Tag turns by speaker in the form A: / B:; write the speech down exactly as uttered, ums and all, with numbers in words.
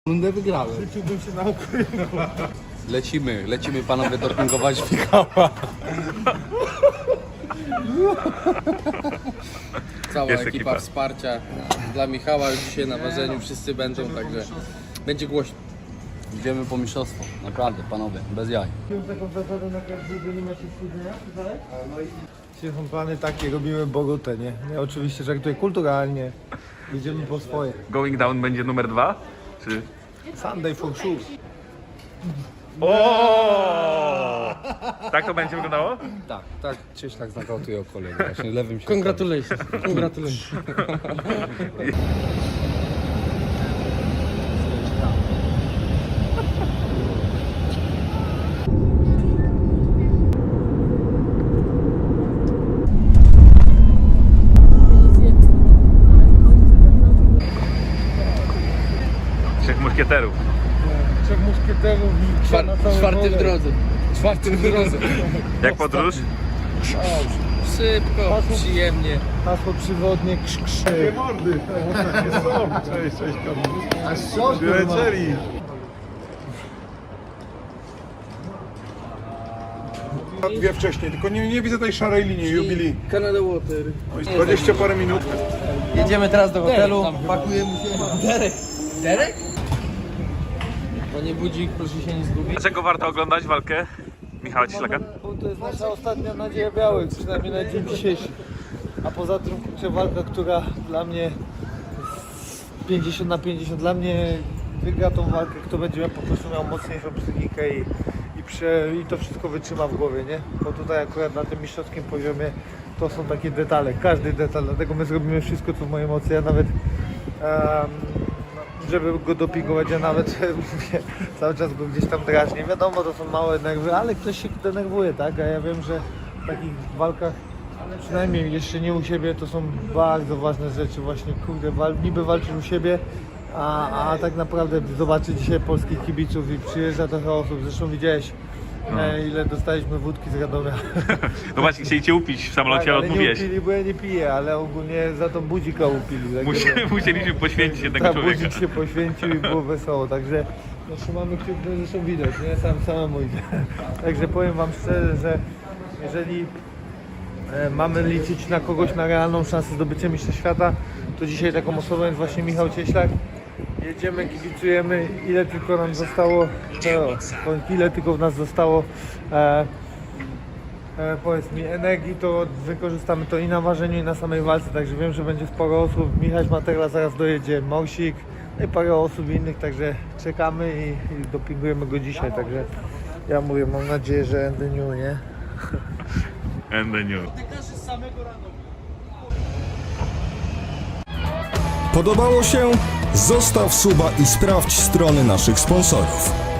A: Rundę wygrałem.
B: Rzuciłbym się na okręt.
A: Lecimy, lecimy panowie dopingować Michała. Cała
C: Jest
A: ekipa,
C: ekipa
A: wsparcia dla Michała już dzisiaj na ważeniu, wszyscy będą, także będzie głośno. Idziemy po mistrzostwo, naprawdę panowie, bez jaj.
B: Taką zasadę na każdego nie ma się spóźnienia, tak? No i dzisiaj są plany takie, robimy Bogotę, nie? Ja oczywiście żartuję kulturalnie, jedziemy po swoje.
C: Going down będzie numer dwa? Czy...
B: Sunday for sure.
C: O! Tak to będzie wyglądało?
A: Tak, tak, Cieślak znakautuje o kolegę, właśnie lewym się.
D: Congratulations, congratulations.
C: Trzech muszkieterów.
B: Trzech muszkieterów i
A: Czwar,
B: na całe
A: czwarty w
B: wolę.
A: drodze. Czwarty w drodze.
C: Jak podróż?
A: Szybko, przyjemnie.
B: Hasło przywodnie krz krzy.
E: Mordy! Cześć, cześć, Kamil.
B: A co
E: Wylecieli! Dwie wcześniej, tylko nie, nie widzę tej szarej linii, jubilii.
A: Canada Water.
E: Oj, dwadzieścia parę minut.
D: Jedziemy teraz do hotelu,
A: Derek tam
D: pakujemy się.
A: Derek! Derek? Panie Budzik, proszę się nie zgubić.
C: Dlaczego warto oglądać walkę Michała Cieślaka?
B: Bo to jest nasza ostatnia nadzieja białych, przynajmniej na dzień dzisiejszy. A poza tym kurczę, walka, która dla mnie pięćdziesiąt na pięćdziesiąt, dla mnie wygra tą walkę, kto będzie miał po prostu miał mocniejszą psychikę i, i, prze, i to wszystko wytrzyma w głowie, nie? Bo tutaj akurat na tym mistrzowskim poziomie to są takie detale, każdy detal, dlatego my zrobimy wszystko co w mojej mocy, ja nawet um, żeby go dopingować, ja nawet mówię, cały czas go gdzieś tam drażnię. Wiadomo, to są małe nerwy, ale ktoś się denerwuje, tak? A ja wiem, że w takich walkach, przynajmniej jeszcze nie u siebie, to są bardzo ważne rzeczy. Właśnie, kurde, wal, niby walczysz u siebie, a, a tak naprawdę zobaczy dzisiaj polskich kibiców i przyjeżdża trochę osób. Zresztą widziałeś, e, ile dostaliśmy wódki z Radomia.
C: No właśnie, chcieli cię upić w samolocie,
B: Tak,
C: ale
B: ale nie
C: odmówiłeś.
B: upili, bo ja nie piję, ale ogólnie za to budzika upili. Tak
C: Musi- Musieliśmy poświęcić jednego
B: tak,
C: człowieka.
B: budzik się poświęcił i było wesoło, także no, trzymamy kciuki, no, zresztą widać, nie? Sam samemu idzie. Także powiem wam szczerze, że jeżeli e, mamy liczyć na kogoś, na realną szansę zdobycia mistrza świata, to dzisiaj taką osobą jest właśnie Michał Cieślak. Jedziemy, kibicujemy, ile tylko nam zostało, no, ile tylko w nas zostało, e, e, powiedz mi, energii, to wykorzystamy to i na ważeniu, i na samej walce, także wiem, że będzie sporo osób. Michał Materla zaraz dojedzie, Morsik, no i parę osób innych, także czekamy i, i dopingujemy go dzisiaj, także ja mówię, mam nadzieję, że end the new, nie?
C: And the new.
F: Podobało się? Zostaw suba i sprawdź strony naszych sponsorów.